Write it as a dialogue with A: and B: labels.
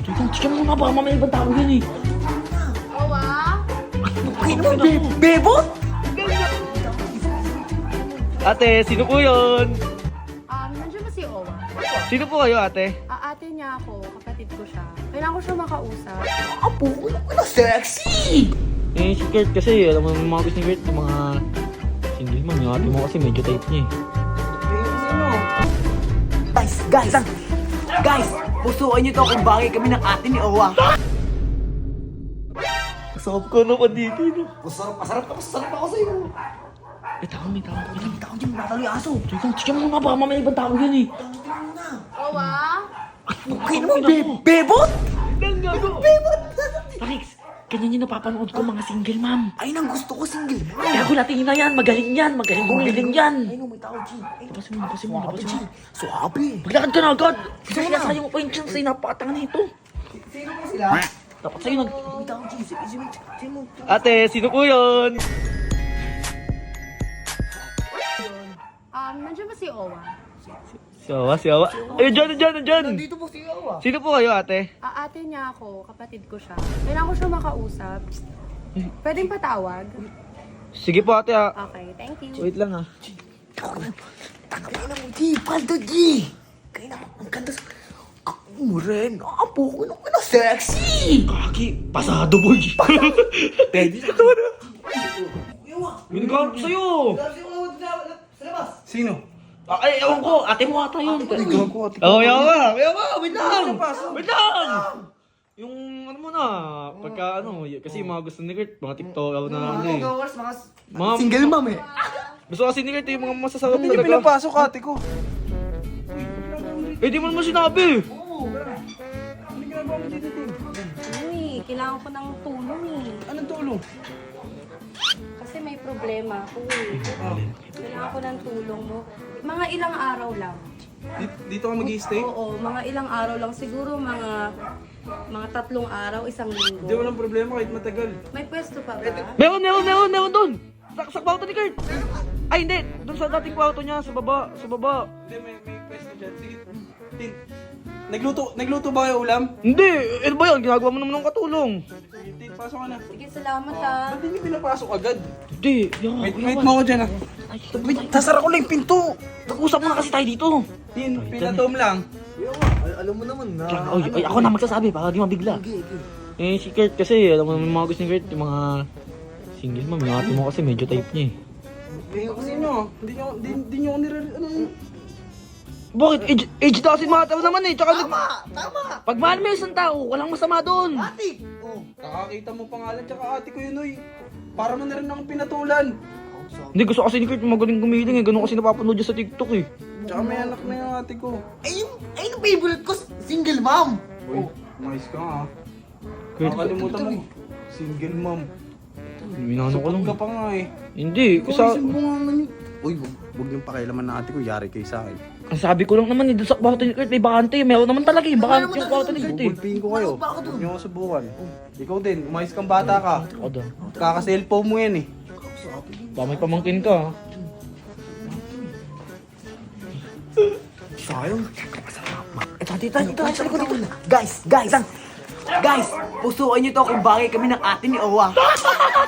A: Tignan mo nga, baka mamaya ibang tao yan eh.
B: Owa?
A: Bebot? Ate, sino po yun?
B: Nandiyan ba si Owa?
A: Sino po kayo, ate?
B: Ate niya ako, kapatid ko siya. Kailangan ko siya makausap.
A: Apo, ano ka na sexy? Eh, si Kurt kasi, alam mo yung mga gusto ni Kurt, yung mga single mom. Yung ate mo kasi medyo type niya eh.
C: Guys, pusuan niyo to kung bagay kami ng ate ni Owa.
A: Masarap ka naman dito, no?
C: Masarap ako sa'yo.
A: Eh, may tao dyan, matalo yung aso. Tignan mo nga, baka mamaya ibang tao yan eh.
B: Owa?
C: Okay naman, bebot? Bebot!
A: Parix, ganyan yung napapanood ko mga single mom.
C: Ay, nang gusto ko single.
A: Kaya ko natin na yan, magaling gumiling yan.
C: Ay, no, may tao, G.
A: Lapasin mo.
C: Suabe.
A: Maglakad ka na agad. Kasi sinasayang mo pa yung chance eh, napakatanga nito.
C: Sino po sila?
A: Dapat sa'yo nag...
C: May tao, G. Sino?
A: Ate, sino po yun?
B: Nandiyan ba si Owa?
A: Si Awa. Ayun, dyan.
C: Nandito po si Owa.
A: Sino po kayo, ate?
B: Ate niya ako, kapatid ko siya. Kailangan ko siya makausap. Pwedeng patawag?
A: Sige po, ate ha.
B: Okay, thank you.
A: Wait lang ha.
C: Tanawin na mo, G. Paldo, G. Kaya naman, ang ganda sa... Muren, apo, ano ka na sexy?
A: Kaki, pasado boy.
C: Pwede na.
A: Binigyan ko sa'yo.
C: Sino?
A: Ay, ewan ko. Ate mo ata yun.
C: Ikaw ko, ate ko.
A: Oh, yawa. Wait lang. Yung ano mo na, pagka ano, kasi yung mga gusto ni Kurt, mga TikTok na ano eh. Mga
C: Single mom eh.
A: gusto kasi ni Kurt yung mga masasarap
D: Hindi niya
A: talaga.
D: pinapasok ate ko.
A: Eh, di mo naman sinabi.
D: Ano ginagawa mo dito, Tim?
B: Ano eh, kailangan ko ng tulong eh.
D: Anong tulong?
B: Kasi may problema ako eh. Kailangan ko ng tulong mo. Mga ilang araw lang.
D: Dito ka mag-i-stay?
B: Oo, mga ilang araw lang. Siguro mga 3 araw, 1 linggo.
D: Hindi, walang problema kahit matagal.
B: May pwesto pa ba?
A: Meron doon. Sa kwarto ni Kurt. Ay, hindi. Doon sa dating kwarto niya, sa baba.
D: Hindi, may pwesto dyan. Sige, Tin. Nagluto ba kayo ulam?
A: Hindi, ano ba yan? Ginagawa mo naman ng katulong.
D: Sige, Tin, pasok ka na.
B: Sige, salamat ah.
D: Ba't hindi niyo pinapasok agad?
A: Hindi,
D: Wait mo ako dyan ah.
A: Wait, sasara ko lang yung pinto. Nag-usap muna kasi tayo dito.
D: Tin, pinatom lang.
C: Alam mo naman na.
A: Ay, ako na magsasabi para di mabigla. Eh, si Kurt kasi, alam mo naman mga gusto ni Kurt, yung mga single mom. Yung ate mo kasi medyo type niya eh.
D: Kasi nyo, hindi nyo ako ano.
A: Bakit? Age doesn't matter naman eh. Tsaka
C: Tama.
A: pag mahal mo yung isang tao, walang masama doon.
C: Ate. Oh.
D: Kakakita mo pangalan, tsaka ate ko yun, oy. Para mo na rin akong pinatulan.
A: Hindi, gusto kasi ni Kurt magaling gumiling eh. Ganun kasi napapanood niya sa TikTok eh.
D: Tsaka may anak na yung ate ko.
C: Ay, yung favorite ko, single mom.
D: Uy, mais ka nga.
A: Kurt,
D: Nakalimutan mo. Single mom.
A: minano ko lang.
D: Ka pa nga eh.
A: Hindi,
D: Isa mo nga man yun. Uy, huwag niyong pakialaman na ate ko. Yari kayo sa akin.
A: ang sabi ko lang naman eh, doon sa kwarto ni Kurt, may bakante. Meron naman talaga eh, bakante yung kwarto ni Kurt eh.
D: Bubulpihin ko kayo. Huwag niyo ako subukan. Ikaw din, umayos kang bata ka.
A: Ako daw.
D: Kaka-cellphone mo yan eh.
A: Baka may pamangkin ka ha.
C: Sayang. Ito, sa likod dito. Guys, pusuan niyo to kung bagay kami ng ate ni Owa.